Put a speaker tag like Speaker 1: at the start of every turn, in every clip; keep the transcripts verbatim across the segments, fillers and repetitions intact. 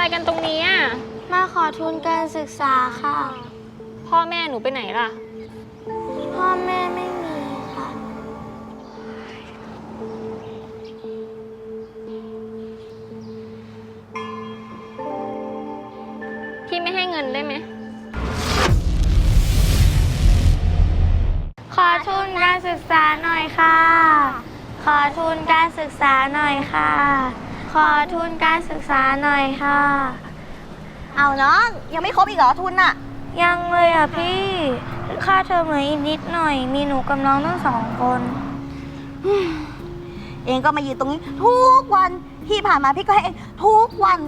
Speaker 1: กันตรงนี้อ่ะ
Speaker 2: มาขอทุนการศึกษาค่ะ
Speaker 1: พ่อแม่หนูไปไหนล่ะ
Speaker 2: พ่อแม่ไม่มีค่ะ
Speaker 1: พี่ไม่ให้เงินได้ไหม
Speaker 2: ขอทุนการศึกษาหน่อยค่ะ ขอทุนการศึกษาหน่อยค่ะ ขอทุนการศึกษาหน่อยค่ะ
Speaker 3: เอาน้องยังไม่ครบอีกเหรอทุนน่ะ
Speaker 2: ยังเลยอ่ะพี่ค่าเทอมเหลืออีกนิดหน่อยมีหนูกับน้องทั้งสองคน
Speaker 3: เองก็มายืนตรงนี้ทุกวันที่ผ่านมาพี่ก็ให้เองทุกวัน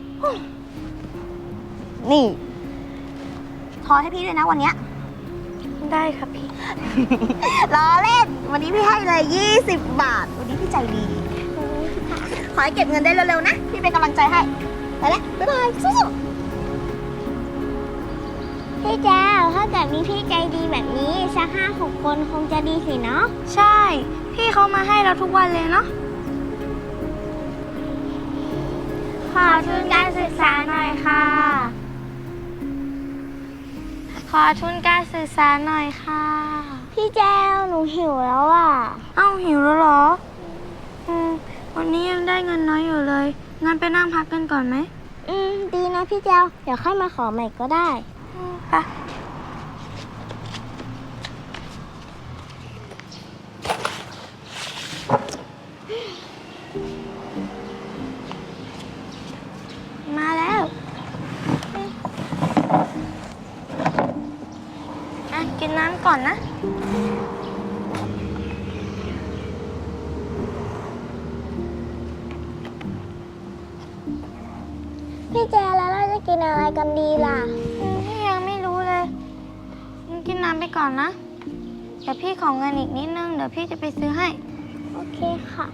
Speaker 3: นี่ทอนให้พี่ด้วยนะวันเนี้ย
Speaker 2: ได้ครับพี่
Speaker 3: ล้อเล่นวันนี้พี่ให้เลยยี่สิบบาทวันนี้พี่ใจดีขอให้เก็บเงินได้เร็วๆนะพี่เป็นกำลังใจให้ไปแล้วบ๊ายบายสู้
Speaker 2: ๆพี่แจ้วถ้าเกิดมีพี่ใจดีแบบนี้สักห้าหกคนคงจะดีสิเนาะใช่พี่เขามาให้เราทุกวันเลยเนาะขอทุนการศึกษาหน่อยค่ะขอทุนการศึกษาหน่อยค่ะพี่แจ้วหนูหิวแล้วอ่ะเอ้าหิวแล้วเหรออืมวันนี้ยังได้เงินน้อยอยู่เลยงั้นไปนั่งพักกันก่อนไหมอืมดีนะพี่แจ้วเดี๋ยวค่อยมาขอใหม่ก็ได้ไปมาแล้วอ่ะกินน้ำก่อนนะพี่แจแล้วเราจะกินอะไรกันดีล่ะพี่ยังไม่รู้เลยกินน้ำไปก่อนนะเดี๋ยวพี่ขอเงินอีกนิดนึงเดี๋ยวพี่จะไปซื้อให้โอเคค่ะ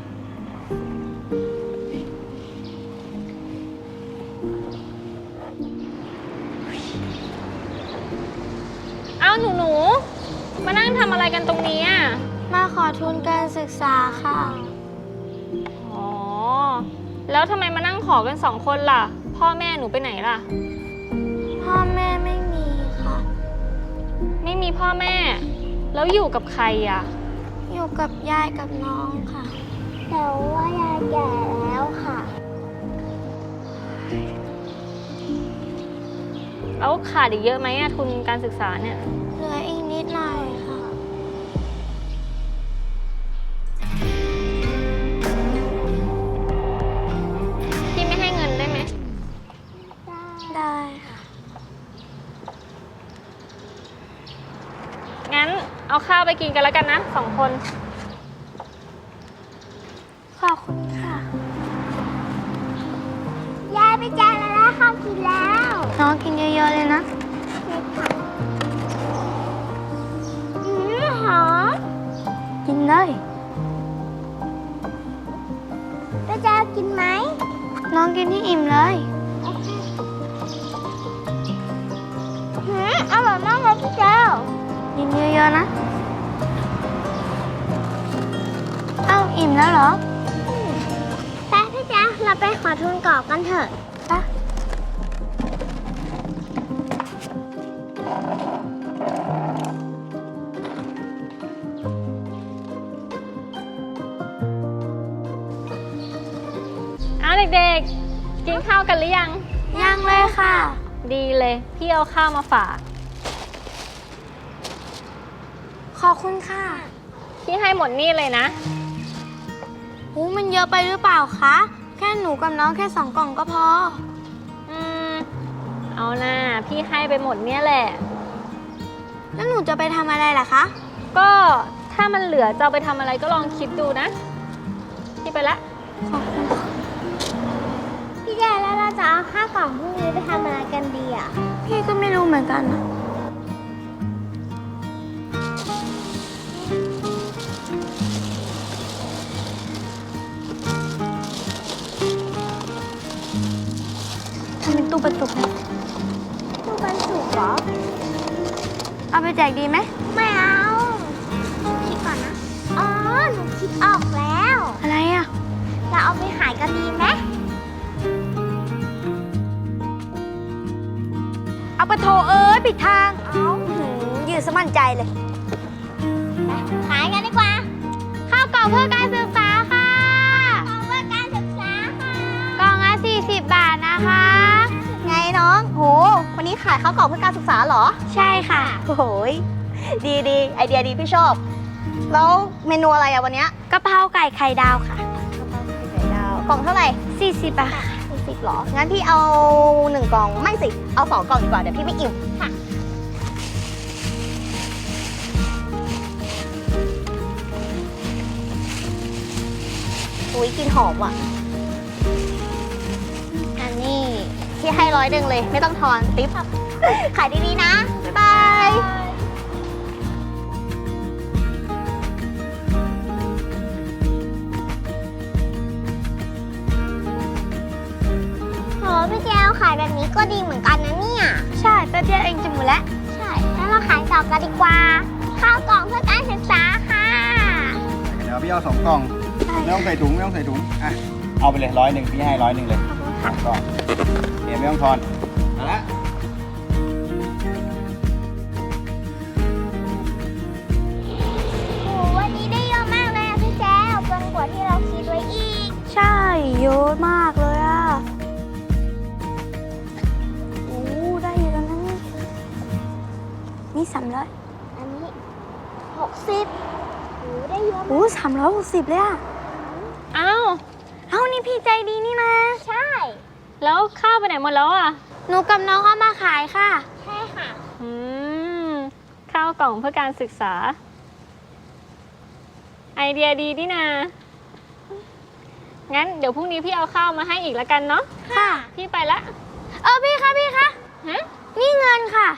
Speaker 1: อ้าวหนูหนูมานั่งทำอะไรกันตรงนี้อ่ะ
Speaker 2: มาขอทุนการศึกษาค่ะ
Speaker 1: อ๋อแล้วทำไมมานั่งขอกันสองคนล่ะพ่อแม่หนูไปไหนล่ะ
Speaker 2: พ่อแม่ไม่มีค่ะ
Speaker 1: ไม่มีพ่อแม่แล้วอยู่กับใครอ่ะ
Speaker 2: อยู่กับยายกับน้องค่ะแต่ว่ายายแก่แล้วค่ะ
Speaker 1: แล้วขาดอีกเยอะไหมอะทุนการศึกษาเนี่ย
Speaker 2: เหลืออีกนิดหน่อยค่ะ
Speaker 1: พี่ไม่ให้เงินได้ไหม
Speaker 2: ได้ค่ะ
Speaker 1: งั้นเอาข้าวไปกินกันแล้วกันนะสองคน
Speaker 2: ขอบคุณค่ะยายไปจานแล้วข้าวกินแล้วน้องกินเยอะๆเลยนะอืมหอมกินเลยไปจานกินไหมน้องกินที่อิ่มเลยหืมอร่อยมากเลยพี่เจ้ากินเยอะๆนะเอ้าอิ่มแล้วเหรอไปพี่เจ้าเราไปขอทุนกรอบกันเถอะไป
Speaker 1: เอาเด็กๆกินข้าวกันหรือยัง
Speaker 2: ยังเลยค่ะ
Speaker 1: ดีเลยพี่เอาข้าวมาฝาก
Speaker 2: ขอบคุณค่ะ
Speaker 1: พี่ให้หมดนี่เลยนะ
Speaker 2: หูมันเยอะไปหรือเปล่าคะแค่หนูกับน้องแค่สองกล่องก็พอ
Speaker 1: อืมเอานะพี่ให้ไปหมดเนี่ยแหละ
Speaker 2: แล้วหนูจะไปทำอะไรล่ะคะ
Speaker 1: ก็ถ้ามันเหลือจะเอาไปทำอะไรก็ลองคิดดูนะพี่ไปละ
Speaker 2: ขอบคุณพี่แย่แล้วเราจะเอาข้าวกล่องพวกนี้ไปทำอะไรกันดีอ่ะพี่ก็ไม่รู้เหมือนกันนะทำเป็นตู้ปันสุกตู้ปันสุกเหรอเอาไปแจกดีไหมไม่เอาคิดก่อนนะอ๋อหนูคิดออกแล้วอะไรอ่ะเราเอาไปขายกันดีไหมปะโถเอ้ยผิดทาง เอ้าหืมยืนสมั่นใจเลย
Speaker 3: ขายกันดีกว่า
Speaker 2: ข้าวกล่องเพื่อการศึกษาค่ะ
Speaker 3: ของเพื่อการศึกษาค่ะ
Speaker 2: กล่องละสี่สิบบาทนะคะ
Speaker 3: ไงน้อง โห วันนี้ขายข้าวกล่องเพื่อการศึกษาเหรอ
Speaker 2: ใช่ค่ะ
Speaker 3: โอ้โหยดีดีไอเดียดีพี่ชอบ แล้วเมนูอะไรอะวันเนี้ย
Speaker 2: กะเพราไก่ไข่ดาวค่ะ
Speaker 3: ไข่ดาวกล่องเท่าไหร่
Speaker 2: สี่สิบบาทค่ะ
Speaker 3: สี่สิบหรอ งั้นพี่เอาหนึ่งกล่อง ไม่สิ เอาสองกล่องดีกว่า เดี๋ยวพี่ไม่อิ่มค่ะอุ้ยกลินหอมอ่ะ อันนี้พี่ให้ร้อยหนึ่งเลย ไม่ต้องทอนติ๊บ ขายดีๆนะ บ๊ายบาย โหพี่แจวขายแบบนี้ก็ดีเหมือนกันนะเนี่ย
Speaker 2: ใช่แป๊บเดียวเองจะหมดแล้ว
Speaker 3: ใช่งั้นเราขายต่อกันดีกว่า ข้าวกล่องเพื่อการศึกษาค่ะ
Speaker 4: เดี๋ยวพี่เอาสองกล่อง ไม่ต้องใส่ถุงไม่ต้องใส่ถุง อ่ะ เอาไปเลยร้อยหนึ่งพี่ให้ร้อยหนึ่งเลยสองกล่องเดี๋ยวไม่ต้องทอนเอาละ
Speaker 3: โหวันนี้ได้เยอะมากเลยอะพี่แจวเกินกว่าที่เราคิดไว้อีก
Speaker 2: ใช่เยอะมากเลยอ่ะโอ้ได้เยอะแล้วนะนี่นี่สามร้อย
Speaker 3: อันนี้หกสิบโหได้เยอะ
Speaker 2: โอ้สามร้อยหกสิบเลยอ่ะ
Speaker 1: อ้าว
Speaker 2: เอ้านี่พี่ใจดีนี่นะ
Speaker 3: ใช่
Speaker 1: แล้วข้าวไปไหนหมดแล้วอ่ะ
Speaker 2: หนูกับน้องเอามาขายค่ะ
Speaker 3: ใช่ค่ะ
Speaker 1: อืม ข้าวกล่องเพื่อการศึกษา ไอเดียดีนี่นา งั้นเดี๋ยวพรุ่งนี้พี่เอาข้าวมาให้อีกแล้วกันเนาะ
Speaker 2: ค่ะ
Speaker 1: พี่ไปละ
Speaker 2: เออพี่คะพี่คะ
Speaker 1: ฮะ
Speaker 2: นี่เงินค่ะ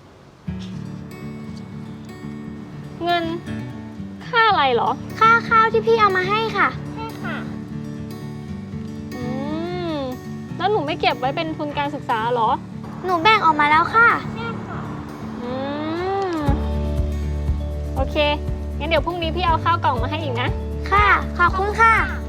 Speaker 1: เงิน ค่าอะไรเหรอ
Speaker 2: ค่าข้าวที่พี่เอามาให้ค่ะ
Speaker 3: ใช่ค่ะ
Speaker 1: อืม แล้วหนูไม่เก็บไว้เป็นทุนการศึกษาเหรอ
Speaker 2: หนูแบ่งออกมาแล้วค่ะ
Speaker 1: อืม โอเค งั้นเดี๋ยวพรุ่งนี้พี่เอาข้าวกล่องมาให้อีกนะ
Speaker 2: ค่ะ ขอบคุณค่ะ